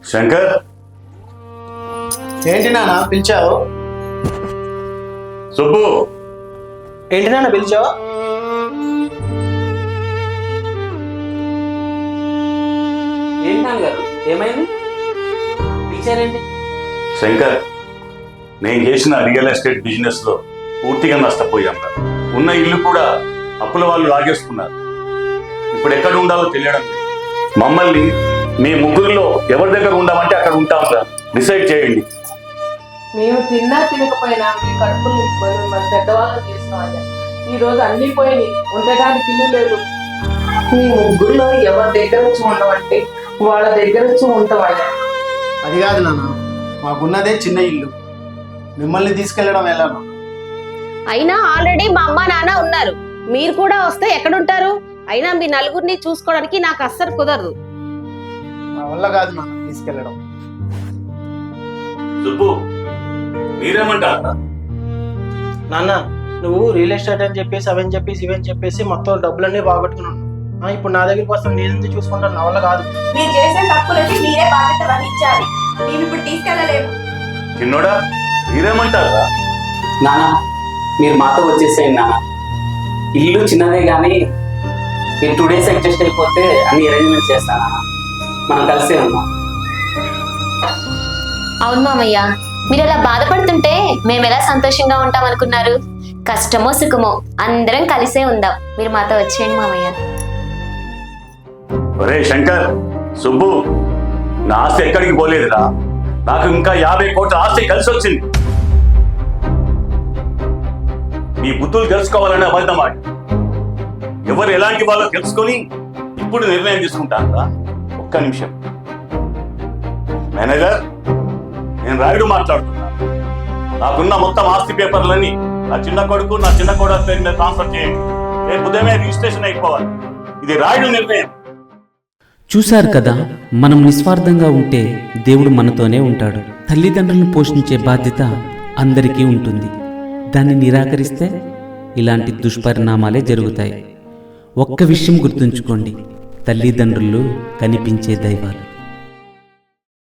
శంకర్, ఏంటి నాన్న పిలిచావు? సుబ్బు, ఏంటి నాన్న పిలిచావు? ఏంటి నాన్నగారు, ఏమైంది? పిలిచారేంటి? శంకర్, నేను చేసిన రియల్ ఎస్టేట్ బిజినెస్ లో పూర్తిగా నష్టపోయాను. ఉన్న ఇల్లు కూడా అప్పుల వాళ్ళు లాగేసుకున్నారు. ఇప్పుడు ఎక్కడ ఉండాలో తెలియడం లేదు. మమ్మల్ని మీ ముగ్గురిలో ఎవరి దగ్గర ఉండామంటే అక్కడ ఉంటాం. డిసైడ్ చేయండి. మేము తిన్నా తినకపోయినా మీ కడుపులు నింపుకొని మన పెద్దవాళ్ళని చేసినామయ్యా. ఈ రోజు అన్ని పోయి ఉండడానికి ఇల్లు లేదు. మీ ముగ్గురులో ఎవరి దగ్గర వచ్చి ఉండమంటే వాళ్ళ దగ్గర వచ్చి ఉంటామయ్యా. అది కాదు నాన్న, మాకున్నదే చిన్న ఇల్లు, మిమ్మల్ని తీసుకెళ్ళడం ఎలా? అయినా ఆల్రెడీ మా అమ్మ నాన్న ఉన్నారు. మీరు కూడా వస్తే ఎక్కడుంటారు? అయినా మీ నలుగురిని చూసుకోవడానికి నాకు అస్సలు కుదరదు. మా వల్ల కాదు నాన్న తీసుకెళ్ళడం. సుబ్బు, మీరేమంటారా? నాన్న, నువ్వు రియల్ ఎస్టేట్ అని చెప్పేసి అవని చెప్పేసి ఇవని చెప్పేసి మొత్తం డబ్బులన్నీ బాగొట్టుకున్నాను. ఇప్పుడు నా దగ్గరికి వస్తాను, నేను చూసుకుంటాను. నా వల్ల కాదు. మీరు చేసే తప్పులకి మీరే బాధ్యత వహించాలి. మేము ఇప్పుడు తీసుకెళ్ళలేము. చిన్నోడా, మీరేమంటారా? నాన్న, మీరు మాతో వచ్చేసేయండి నాన్న. ఇల్లు చిన్నదే కానీ మీరు 2 days అడ్జస్ట్ అయిపోతే అన్ని అరేంజ్మెంట్స్ చేస్తాను నాన్న. మనం కలిసే ఉన్నాం. అవును మామయ్య, మీరు అలా బాధపడుతుంటే మేము ఎలా సంతోషంగా ఉంటాం అనుకున్నారు? కష్టమో సుఖమో అందరం కలిసే ఉందాం. మీరు మాతో వచ్చేయండి మామయ్య. ఒరే శంకర్, సుబ్బు, నా ఆస్తి ఎక్కడికి పోలేదురా. నాకు ఇంకా 50 కోట్ల ఆస్తి కలిసి వచ్చింది. మీ బుద్ధులు తెలుసుకోవాలని అబద్ధం ఆడి ఎవరు ఎలాంటి వాళ్ళో తెలుసుకొని ఇప్పుడు నిర్ణయం తీసుకుంటారా? ఒక్క నిమిషం మేనేజర్, నేను రాయుడు మాట్లాడుతున్నా. నాకున్న మొత్తం ఆస్తి పేపర్లన్నీ నా చిన్న కొడుకు నా చిన్న కోడలు పేరు మీద ట్రాన్స్ఫర్ చేయండి. రేపు ఉదయమే రిజిస్ట్రేషన్ అయిపోవాలి. ఇది రాయుడు నిర్ణయం. చూశారు కదా, మనం నిస్వార్థంగా ఉంటే దేవుడు మనతోనే ఉంటాడు. తల్లిదండ్రులను పోషించే బాధ్యత అందరికీ ఉంటుంది. దాన్ని నిరాకరిస్తే ఇలాంటి దుష్పరిణామాలే జరుగుతాయి. ఒక్క విషయం గుర్తుంచుకోండి, తల్లిదండ్రులు కనిపించే దైవాలు.